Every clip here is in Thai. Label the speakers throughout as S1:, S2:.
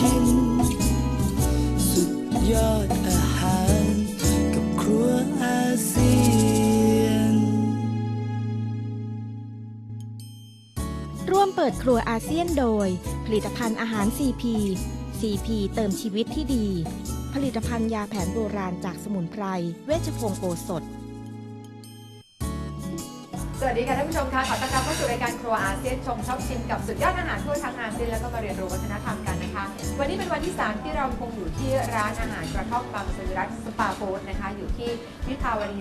S1: ชินสุดยอดอาหารกับครัวอาเซียน
S2: ร่วมเปิดครัวอาเซียนโดยผลิตภัณฑ์อาหาร CP เติมชีวิตที่ดีผลิตภัณฑ์ยาแผนโบราณจากสมุนไพรเวชพงศ์โอสถ
S3: สวัสดีค่ะท่านผู้ชมค่ะขอต้อนรับเข้าสู่รายการครัวอาเซียนชมชอบชิมกับสุดยอดอาหารทั่วทั้งอาเซียนแล้วก็มาเรียนรู้วัฒนธรรมกันนะคะวันนี้เป็นวันที่3ที่เราคงอยู่ที่ร้านอาหารกระท่อมบางสวิรัติสปาฟู้ดนะคะอยู่ที่วิภาวดี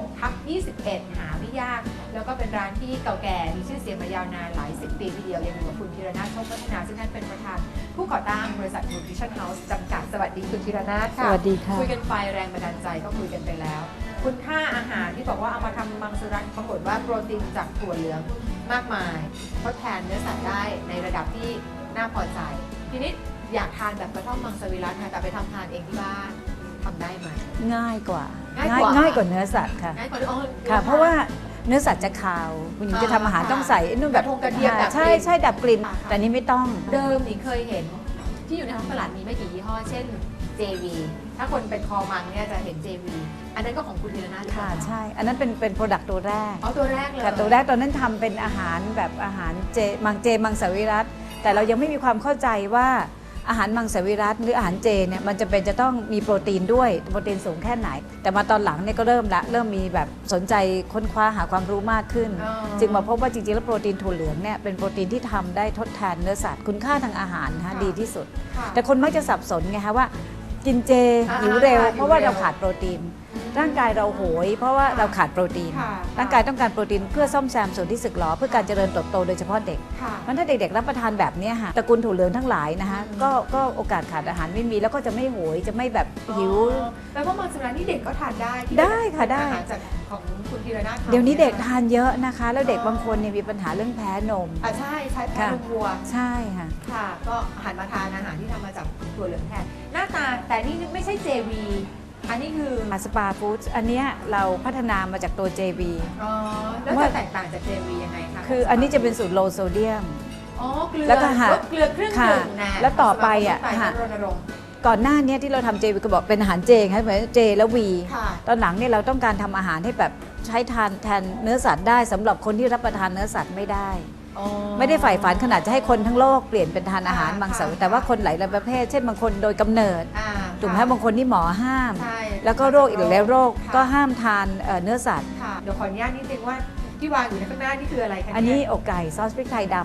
S3: 16/21 หาไม่ยากแล้วก็เป็นร้านที่เก่าแก่มีชื่อเสียงมายาวนานหลาย10 ปีทีเดียวยังอยู่กับคุณธีรนาถโชคพัฒนาซึ่งท่านเป็นประธานผู้ก่อตั้งบริษัท Nutrition House จำกัดสวัสดีคุณธีรนาถค่ะ
S4: สวัสดีค่ะ
S3: คุยกันไปแรงบันดาลใจก็คุยกันไปแล้วคุณค่าอาหารที่บอกว่าเอามาทำมังสวิรัติปรากฏว่าโปรตีนจากถั่วเหลืองมากมายทดแทนเนื้อสัตว์ได้ในระดับที่น่าพอใจทีนี้อยากทานแบบกระท่อมมังสวิรัติค่ะแต่ไปทำทานเองที่บ้านทำได้ไหม
S4: ง่ายกว่าเนื้อสัตว์ค่ะ
S3: ง่ายกว่า
S4: ค่ะเพราะว่าเนื้อสัตว์จะคาวคุณหญิงจะทำอาหารต้องใส่นู่นแบบ
S3: กระเทียม
S4: ใช่ดับกลิ่นแต่นี้ไม่ต้อง
S3: เดิมหนิงเคยเห็นที่อยู่ในท้องตลาดมีไม่กี่ยี่ห้อเช่น JV ถ้าคนเป็นคอมังเนี่ยจะเห็น JV อันนั้นก็ของคุณธีรนาถ
S4: ค่ะใช่อันนั้นเป็นโปรดักต์ตัวแรก
S3: ตัวแรกเลย
S4: ค่ะตัวแรกตอนนั้นทำเป็นอาหารแบบอาหารมังสวิรัติแต่เรายังไม่มีความเข้าใจว่าอาหารมังสวิรัติหรืออาหารเจเนี่ยมันจะต้องมีโปรตีนด้วยโปรตีนสูงแค่ไหนแต่มาตอนหลังเนี่ยก็เริ่มมีแบบสนใจค้นคว้าหาความรู้มากขึ้นจึงมาพบว่าจริงๆแล้วโปรตีนถั่วเหลืองเนี่ยเป็นโปรตีนที่ทำได้ทดแทนเนื้อสัตว์คุณค่าทางอาหารนะดีที่สุดแต่คนมักจะสับสนไงคะว่ากินเจหิวเร็วเพราะว่าเราขาดโปรตีนร่างกายเราโหยเพราะว่าเราขาดโปรตีนร่างกายต้องการโปรตีนเพื่อซ่อมแซมส่วนที่สึกหรอเพื่อการเจริญเติบโตโดยเฉพาะเด็กเพราะถ้าเด็กๆรับประทานแบบนี้ค่ะตระกูลถั่วเหลืองทั้งหลายนะคะก็โอกาสขาดอาหารไม่มีแล้วก็จะไม่โหยจะไม่แบบหิว
S3: แปลว่ามังสวิรัตินี่เด็กก็ทานได้
S4: ค่ะได้
S3: จากของคุณธีรนาถ
S4: เดี๋ยวนี้เด็กทานเยอะนะคะแล้วเด็กบางคนเนี่ยมีปัญหาเรื่องแพ้นม
S3: ใช่แพ้นมวัว
S4: ใช่ค่ะ
S3: ก็หันมาทานอาหารที่ทำมาจากถั่วเหลืองแทนหน้าตาแต่นี่ไม่ใช่ JV อันนี้คือ
S4: สปาฟู้ดอันนี้เราพัฒนามาจากตัว JV
S3: แล้วจะแตกต่างจาก JV ยังไงคะ
S4: คืออันนี้จะเป็นสูตรโลโซเดียม
S3: เกลือ
S4: แล้วก็
S3: เกลือเครื่องดื่มนะ
S4: แล้วต่อไปก่อนหน้านี้ที่เราทำ JV ก็บอกเป็นอาหารเจงเหมือนเจแล้ววีตอนหลังเนี่ยเราต้องการทำอาหารให้แบบใช้ทานแทนเนื้อสัตว์ได้สำหรับคนที่รับประทานเนื้อสัตว์ไม่ได้ไม่ได้ใฝ่ฝันขนาดจะให้คนทั้งโลกเปลี่ยนเป็นทานอาหารมังสวิรัติแต่ว่าคนหลายประเภทเช่นบางคนโดยกำเนิดถูกไหมบางคนที่หมอห้ามแล้วก็โรคอีกหลายโรคก็ห้ามทานเนื้อสัตว์
S3: เดี๋ยวขออนุญาตนิดนึงว่าที่วางอยู่ในข้างหน้านี่คืออะไรคะ
S4: อันนี้อกไก่ซอสพริกไทยดำ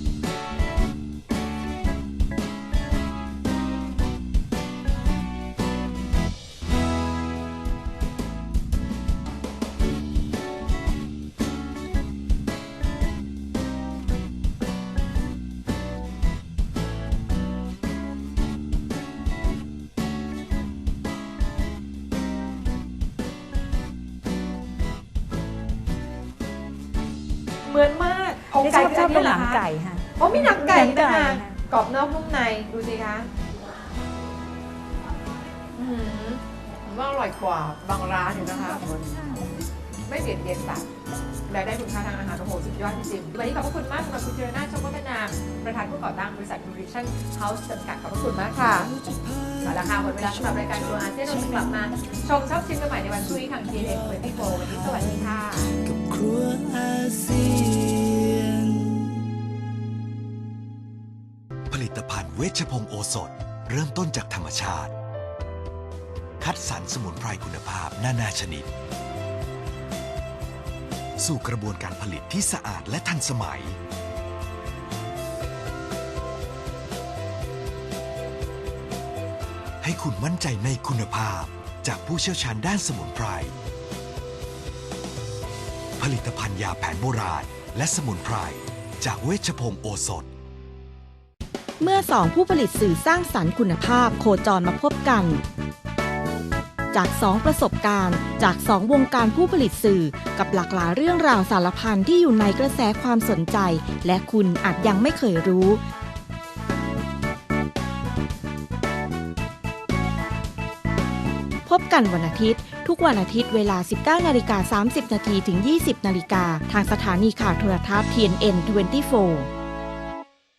S3: เหมือนมาก
S4: อกไก่ชอบหนังไก่ค่ะ
S3: มีหนังไก่นะคะกรอบนอกนุ่มในดูสิคะว่าอร่อยกว่าบางร้านอยู่นะคะไม่เบียดเบียนสัตว์และได้คุณค่าทางอาหารโอ้โหสุดยอดจริงๆวันนี้ขอบคุณมากสำหรับคุณธีรนาถ โชคพัฒนาประธานผู้ก่อตั้งบริษัท Nutrition House จำกัดขอบคุณมากค่ะเอาละค่ะหมดเวลาสำหรับรายการครัวอาเซียนเราจะกลับมาชมชอบชิมกันใหม่ในวันพรุ่งนี้ทาง TNN24 วันนี้สวัสดีค่ะ
S1: กับครัวอาเซียน
S5: ผลิตภัณฑ์เวชพงศ์โอสถเริ่มต้นจากธรรมชาติคัดสรรสมุนไพรคุณภาพนานาชนิดสู่กระบวนการผลิตที่สะอาดและทันสมัยให้คุณมั่นใจในคุณภาพจากผู้เชี่ยวชาญด้านสมุนไพรผลิตภัณฑ์ยาแผนโบราณและสมุนไพรจากเวชพงศ์โอสถ
S2: เมื่อสองผู้ผลิตสื่อสร้างสรรค์คุณภาพโคจรมาพบกันจาก2ประสบการณ์จาก2วงการผู้ผลิตสื่อกับหลากหลายเรื่องราวสารพันที่อยู่ในกระแสความสนใจและคุณอาจยังไม่เคยรู้พบกันวันอาทิตย์ทุกวันอาทิตย์เวลา 19:30 น. ถึง 20:00 น. ทางสถานีข่าวโทรทัศน์ TNN24